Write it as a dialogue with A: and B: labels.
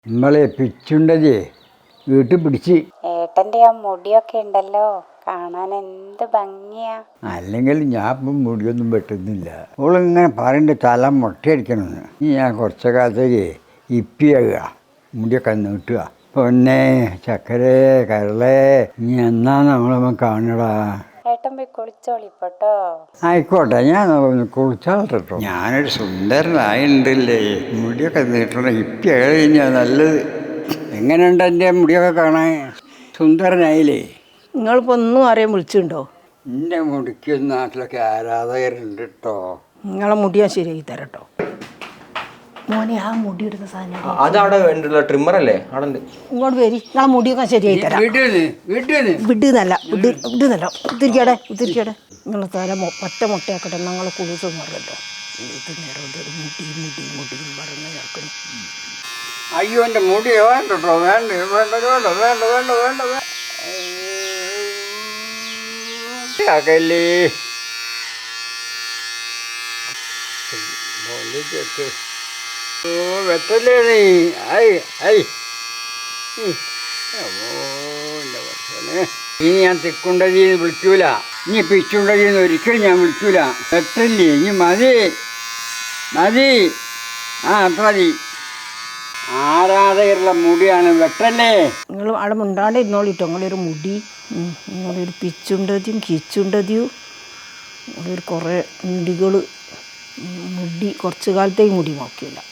A: നമ്മളെ പിച്ചുണ്ടതേ വീട്ടിൽ പിടിച്ച്.
B: ഏട്ടന്റെ ആ മുടിയൊക്കെ ഉണ്ടല്ലോ, കാണാൻ എന്ത് ഭംഗിയാ.
A: അല്ലെങ്കിൽ ഞാൻ ഇപ്പം മുടിയൊന്നും വെട്ടുന്നില്ല. ഓളിങ്ങനെ പറയണ്ട തല മുട്ടയടിക്കണമെന്ന്. ഞാൻ കുറച്ച കാലത്തേക്ക് ഇപ്പിയാകുക, മുടിയൊക്കെ നീട്ടുക. പൊന്നെ ചക്കരേ കരളേ, നീ എന്നാ നമ്മളമ്മ കാണടാ.
B: ഏട്ടൻ പോയി കുളിച്ചോളിപ്പോട്ടോ.
A: ആയിക്കോട്ടെ, ഞാൻ കുളിച്ചാട്ടോ. ഞാനൊരു സുന്ദരനായുണ്ടല്ലേ, മുടിയൊക്കെ നീട്ടണ ഇപ്പിയായി കഴിഞ്ഞാൽ നല്ലത്. എങ്ങനെയുണ്ട് എൻ്റെ മുടിയൊക്കെ കാണാൻ? സുന്ദരനായില്ലേ?
C: നിങ്ങളിപ്പോൾ ഒന്നും അറിയാൻ വിളിച്ചിട്ടുണ്ടോ?
A: എൻ്റെ മുടിക്ക് നാട്ടിലൊക്കെ ആരാധകരുണ്ട് കേട്ടോ.
C: നിങ്ങളെ മുടി ഞാൻ ശരിയാക്കി തരാം കേട്ടോ. മോനെ ആ മുടി എടുത്ത സാധനം
D: അതവിടെ വേണ്ടുള്ള ട്രിമ്മർ അല്ലേ? അവിടെ ഉണ്ട്.
C: ഇങ്ങോട്ട് വരി, നിങ്ങളെ മുടിയൊക്കെ ശരിയാക്കി തരാം. വിടുന്നല്ല ഉത്തിരിക്കടെ നിങ്ങളെ തല ഒറ്റ മുട്ടയാക്കട്ടെ. ഞങ്ങളെ കുളിസൊന്നും അറിയല്ലോ. ഇത് നേരം മുടി പറഞ്ഞ് ചേർക്കുന്നു.
A: അയ്യോ എൻ്റെ മുടി വേണ്ട കേട്ടോ, വേണ്ട വേണ്ട വേണ്ട വേണ്ട വേണ്ട വേണ്ട അകല്ലേ. ഓ വെട്ടല്ലേ നീ. ഐ ഐ ഇനി ഞാൻ തിക്കുണ്ടതിന്ന് വിളിക്കൂല, ഇനി പിച്ചുണ്ടതിന്ന് ഒരിക്കലും ഞാൻ വിളിക്കൂല. വെട്ടല്ലേ ഇനി മതി മതി. ആ അത്ര മതി. ആരാധകരുള്ള മുടിയാണ്, വെട്ടല്ലേ.
C: നിങ്ങൾ അവിടെ മുണ്ടാണ്ട് ഇരുന്നോളിട്ടോ. നിങ്ങളൊരു മുടി, നിങ്ങളൊരു പിച്ചുണ്ടതിയും കിച്ചുണ്ടതിയും, നിങ്ങളൊരു കുറേ മുടികൾ, മുടി കുറച്ച് കാലത്തേക്ക് മുടി നോക്കിയില്ല.